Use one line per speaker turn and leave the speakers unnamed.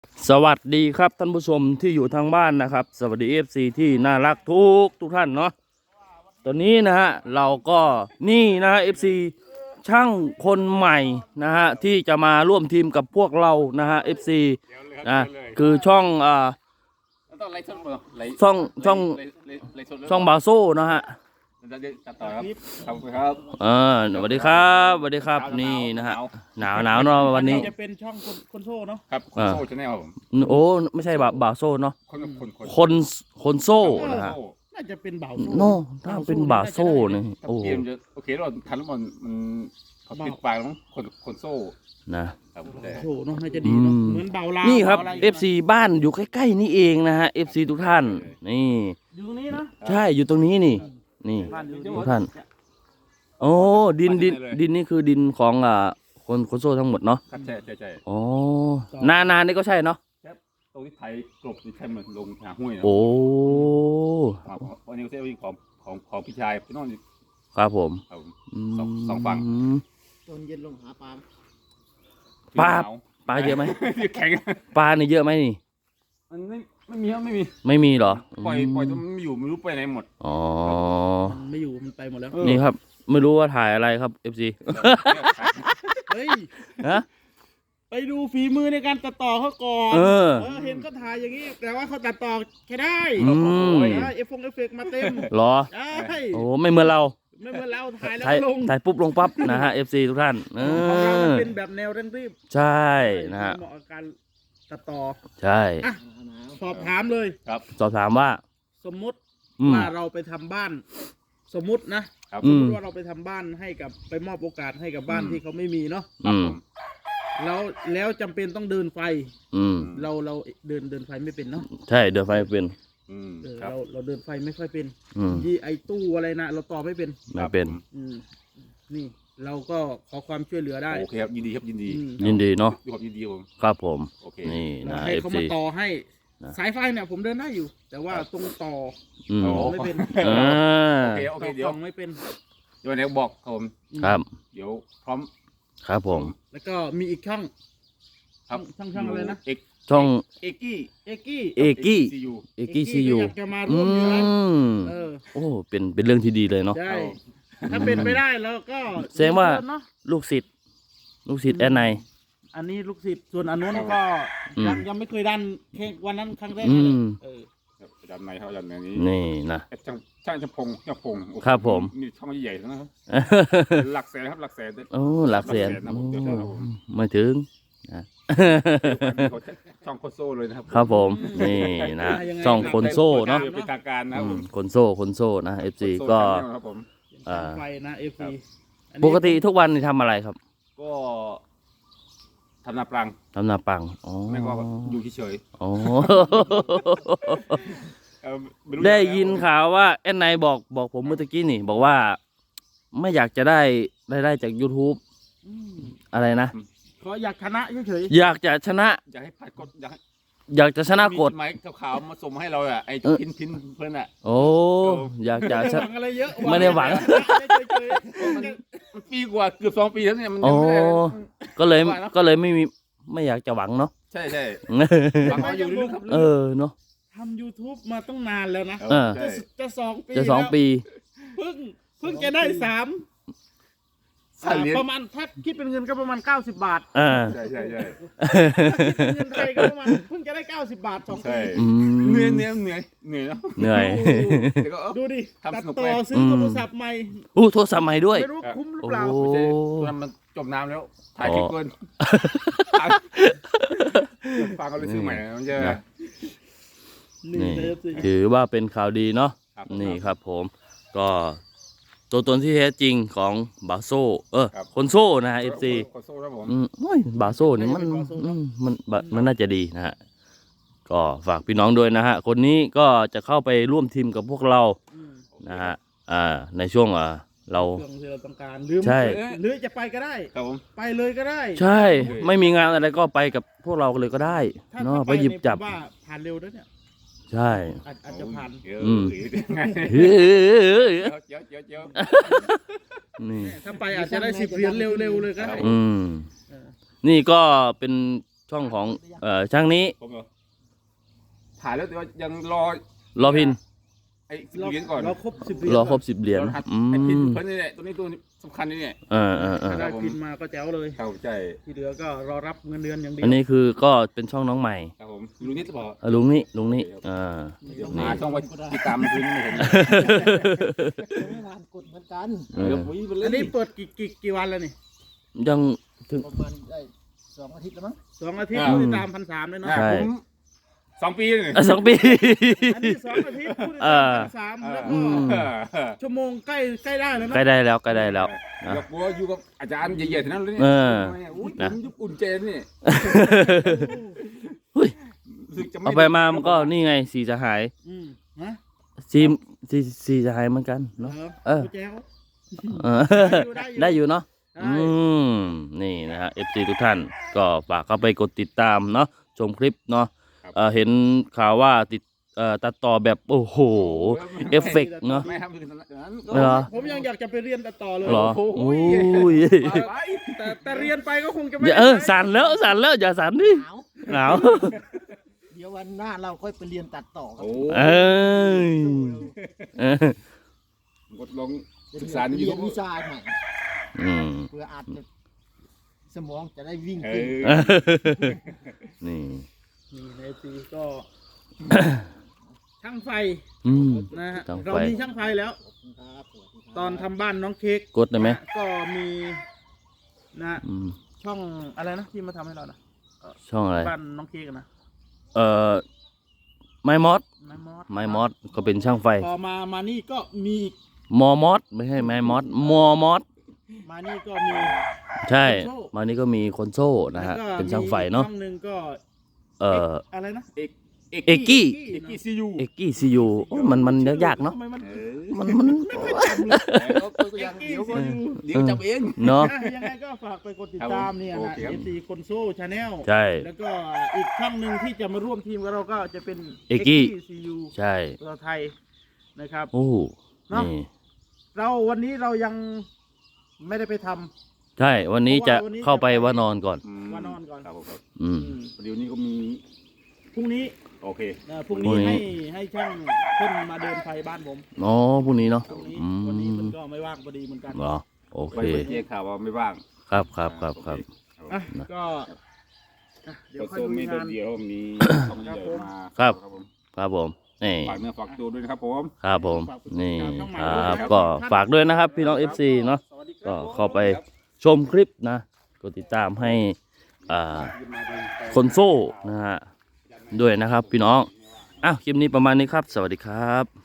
สวัสดีครับท่านผู้ชมที่อยู่ทางบ้านนะครับสวัสดีFCที่น่ารักทุกท่านเนาะตอนนี้นะฮะเราก็นี่นะฮะ FC ช่างคนใหม่นะฮะที่จะมาร่วมทีมกับพวกเรานะฮะ FC นะคือช่อง
ต้องไล่สดบ่ไล่
ช่องบาโซ่นะฮะ
ตัดต่อครับขอบคุณครับ
สวัสดีครับสวัสดีครับนี่นะฮะหนาวเนาะวันนี้
จะเป็นช่องคนโซ่เนาะ
ครับคนโซ่ชาแนลผม
โอ้ไม่ใช่บาโซ่เนาะคนโซ่นะฮะ
น่าจะเป็นบ่าวโซ่
โน่ถ้าเป็นบาโซ่เนี่ยโอ้
เกมจะโอเคเราทันแล้วมันเขาปิดปากแล้วคนโซ่
นะครับ
โซ่เนาะน่าจะดีเนาะเหมือนเบาลา
นี่ครับ FC บ้านอยู่ใกล้ๆนี่เองนะฮะ FC ทุกท่านนี่
อยู่ตรงนี้นะ
ใช่อยู่ตรงนี้นี่ทุกท่านโอ้ดินนี่คือดินของคนโซ่ทั้งหมดเนาะ
ครับใช่
โอ้นานี่ก็ใช่เนาะ
ตรงที่ไทยกลบที่ใช่เหมือนลงหาห้วยนะ
โอ้
วันนี้ก็ใช้ของพี่ชายพี่น้อง
ครับผม
สองฝั่ง
ตอนเย็นลงหาปลา
ปลาเยอะไหม
แข็ง
ปลาเนี่ยเยอะไหมนี่
มันไม่
มีเหรอ
ปล่อยจนมันอยู่ไม่รู้ไปไหนหมด
อ๋อ
มันไม่อยู่มันไปหมดแล้ว
นี่ครับไม่รู้ว่าถ่ายอะไรครับ FC
เฮ้ยไปดูฝีมือในการตัดต่อเขาก่อนเห็นก็ถ่ายอย่างนี้แต่ว่าเขาตัดต่อแค่ได้เอฟเฟกต์มาเต็ม
หรอ
ใช่
โอ้ไม่เหมือนเรา
ถ่ายแล้วลง
ถ่ายปุ๊บลงปั๊บนะฮะ FC ทุกท่าน
ของเราเป็นแบบแนวเร่งรีบ
ใช่นะฮะ
เหมาะกับการตัดต่อ
ใช่
สอบถามเลย
ครับ
สอบถามว่า
สมมุติว่าเราไปทำบ้านสมมุตินะสมมติว่าเราไปทำบ้านให้กับไปมอบโอกาสให้กับบ้านที่เขาไม่มีเนาะแล้วจำเป็นต้องเดินไฟเราเดินไฟไม่เป็นเนาะ
ใช่เดินไฟเป็น
เราเดินไฟไม่ค่อยเป็นไอตู้อะไรนะเราต่อไม่เป็นนี่เราก็ขอความช่วยเหลือได้
โอเคครับยินดีครับยิน
ดีเนาะ
ยินดีผม
ครับผม
โอเค
นี่นะ
ให้เขามาต่อให้สายไฟเนี่ยผมเดินได้อยู่แต่ว่าตรงต่อไม่เป็น
โอเคเดี๋ยว
ไม่เป็น
เดี๋ยวบอกผม
ครับ
เดี๋ยวพร้อม
ครับผม
แล้วก็มีอีกช่องอะไรนะ
ช่อง
เอกี้
ซียู
จะมาร่วมอยู่นะ
โอ้เป็นเรื่องที่ดีเลยเนาะ
ใช่ถ้าเป็นไปได้แล้วก็
แสดงว่าลูกศิษย์แอนไน
อันนี้ลูกศิษย์ส่วนอันนู้นก็ยังไม่เคยดันแค่วันนั้นครั้งแรก
ดันในเขาดันในนี้
นี่นะ
ช่างพง
ครับผม
มีช่องใหญ่นะครับหลักแสนครับหลักแสน
โอ้หลักแสนไม่ถึง
ช่องโคโซ่เลยนะครับ
ครับผมนี่นะช่องคนโซ่เนาะ
เป็นทางการนะ
คนโซ่นะ FC ก็
ไฟนะ FC
ปกติทุกวันนี่ทำอะไรครับ
ก็ทำนาปรัง
อ๋อ
แม่ก็อยู่เฉย
อ๋อได้ยินข่าวว่าแอนไนบอกผมเมื่อกี้นี่บอกว่าไม่อยากจะได้รายได้จาก YouTube อะไรนะ
เขาอยากชนะเฉย
อยากจะชนะ
อยากให้ผ่านกฎ
อยากจะชนะกฎ
ไม้ขาวมาส่งให้เราอ่ะไอ้พินเพื่อนอ่ะ
โอ้อยากจะ
ชนะอะไรเยอะ
ไม่ได้หวัง
มันปีกว่าเกือบ2 ปีแล้วเนี่ยมัน
ก็เลยไม่อยากจะหวังเนาะ
ใช่หวังเอาอยู่ลึกๆครับ
เนาะ
ทำ YouTube มาต้องนานแล้วนะจะ
2 ปี
เพิ่งจะได้3ประมาณถ้าคิดเป็นเงินก็ประมาณ90 บาท
ใช่
คิดเป็นเงินไทยก็ประมาณเพิ่งจะได้90 บาท2 ปี
เหนื่อย
ดูดิตัดต่อซื้อโทรศัพท์ใหม่
โทรศัพท์ใหม่ด้วย
ไม่รู้คุ้มหรือเปล่า
มันจมน้ำแล้วถ่ายคลิปเกินฟังก็เลยซื้อใหม่มันจะ
นี่ถือว่าเป็นข่าวดีเนาะนี่ครับผมก็ตัวตนที่แท้จริงของบาโซ่คนโซ่นะฮะ FC บาโซ่นี่มันน่าจะดีนะฮะก็ฝากพี่น้องด้วยนะฮะคนนี้ก็จะเข้าไปร่วมทีมกับพวกเรานะฮะในช่วงเรา
ที่เราต้องการ
ใช่
หรือจะไปก็ได้ไปเลยก็ได้
ใช่ไม่มีงานอะไรก็ไปกับพวกเราเลยก็ได้เนาะไปหยิบจับ
ว่าผ่านเร็วด้วยเนี่ย
ใช่
อาจจะผ่าน
นี่
ถ้าไปอาจจะได้10 เหรียญเร็วๆเลยก็ได้
นี่ก็เป็นช่องของช่างนี้
ผมเหรอถ่ายแล้วแต่ว่ายัง
รอพิน
ไอ้10 เหรียญก่อน
เราครบ10 เหรียญ
รอครบ10 เหรียญ
ไอ้พินเพิ่นนี่แหละตัวนี้ตัวสำคัญนี่แหละ
ถ้าได้พินมาก็แจ๋วเลย
ครับใช่
ที่เหลือก็รอรับเงินเดือนอย่างเดียว
อันนี้คือก็เป็นช่องน้องใหม่
ครับผมลุงนิดหรือเปล่า
ลุงนี่
เดี๋ยวหาช่องไว้ติดตามพื้นนี่ผม
ไม่นานกดเหมือนกัน
เดี๋ยวปุ๋ยไปเลย
อันนี้เปิดกี่วันแล้วนี่
ยังถึง
ประมาณได้2 อาทิตย์แล้วมั้ง
2 อาทิตย์ผู้ติดตาม1,300เลยเนาะ
ใช่
ผม2 ปีเลย
2 ปี
อันนี้2 อาทิตย์ผู้ติดตาม1,300แล้วก็ชั่วโมงใกล้ได้แล้วนะ
ใกล้ได้แล้วใกล้ได้แล้วนะ
เดี๋ยวกลัวอยู่กับอาจารย์ใหญ่ๆทั้งนั้นเลย
เอ
เนี่ย
อ
อุ้ย
นะ
ผมยุบอุ่นเจนนี่
เฮ้ย
รู้สึกจะ
เอาไปมามันก็นี่ไงสีจะหาย
ฮะ
สีจะหายเหมือนกันเนาะ
แจ๋ว
เออได้อยู่เนาะ
ได้
นี่นะฮะ FC ทุกท่านก็ฝากเข้าไปกดติดตามเนาะชมคลิปเนาะเห็นข่าวว่าตัดต่อแบบโอ้โห เอฟเฟกต์เนาะ
ไม่ทำถึงนั้น
เหรอ
ผมยังอยากจะไปเรียนตัดต่อเลย
เหรอ
โอ้โห
อุ้ย
ไป
แต่เรียนไปก็คงจะไม่
อย่าสั่นแล้วอย่าสั่นดิ
หนาว
หนาว
เดี๋ยววันหน้าเราค่อยไปเรียนตัดต่อครับ
โอ้
เอ้ยเออก
ดลง
จะ
ศึกษาใน
เรียน
YouTube
วิชาใหม่
อืม
เพื่ออาจจะสมองจะได้วิ่ง
เอ
เก่ง
อ
นี่
นี่ในปีก็ ช่างไฟ
อืม
นะฮะ
ช่างไฟ
เรามีช่างไฟแล้ว
ครับสวัสดีครับ
ตอนทำบ้านน้องเค้ก
กดได้ไหม
นะก็มีนะ
อืม
ช่องอะไรนะที่มาทำให้เรานะ
ช่องอะไร
บ้านน้องเค้กอะนะ
ไม้มอส
ไม้มอส
ไม้มอสก็เป็นช่างไฟ
พอมานี่ก็มีอีก
มอมอสไม่ใช่ไม้มอสมอมอส
มานี่ก็มี
ใช่
คอนโซ่
มานี่ก็มีคอนโซ่นะฮะ
แล้วก็
เป็นช่างไฟเนาะ
มีช่องหนึ่งก็ อะไรนะ
เอก
เอกกี้
เอกกี้ซียู
เอกกี้ซียูมันยากเนาะ
ทำไมมัน
มัน
เดี๋ยวจับเอง
เนาะ
ยังไงก็ฝากไปกดติดตามเนี่ย
โอ
นะ
เคครับ
FC คนโซ่ชาแนล
ใช่
แล้วก็อีกช่องหนึ่งที่จะมาร่วมทีมกับเราก็จะเป็น
เอกกี้
ซียู
ใช่
เราไทยนะครับ
โอ้
เนาะ
นี่
วันนี้เรายังไม่ได้ไปทำ
ใช่ วันนี้จะเข้าไปว่านอนก่อน
ว่านอนก่อน
ครับผมครับ
อืม
เดี๋ยวนี้ก็มี
พรุ่งนี้
โอเค
พรุ่ง
พรุ่
นี้
งนี้
ให้ช่างเพิ่นมาเดินไฟบ้านผม
อ๋อพรุ่งนี้เนาะ
พรุ่งนี้
อื
วันนี้มัน
ม
ก็ไม่ว่างพอดีเหมือนกัน
เหรอโอเค
ไปเจอข่าวว่าไม่ว่าง
ครับ
อ่ะก็อ่ะเดี๋ยว
ก็
ค่อย
โซ
ดู
มี
งาน
เดียวมีช่องใหญ่มา
ครับ
ผม
ครับผมนี่
ฝากเนื้อฝากตัวด้วยนะครับผม
ครับผมนี่
ช่องใหม่
ค
ด้วย
รับ
นะ
ก็ฝากด้วยนะครับ พี่น้อง FC เนาะ
สวัสดีค
ก็
รับ
เข้าไปชมคลิปนะกดติดตามให้คนโซ่นะฮะด้วยนะครับพี่น้องอ้าวคลิปนี้ประมาณนี้ครับ สวัสดีครับ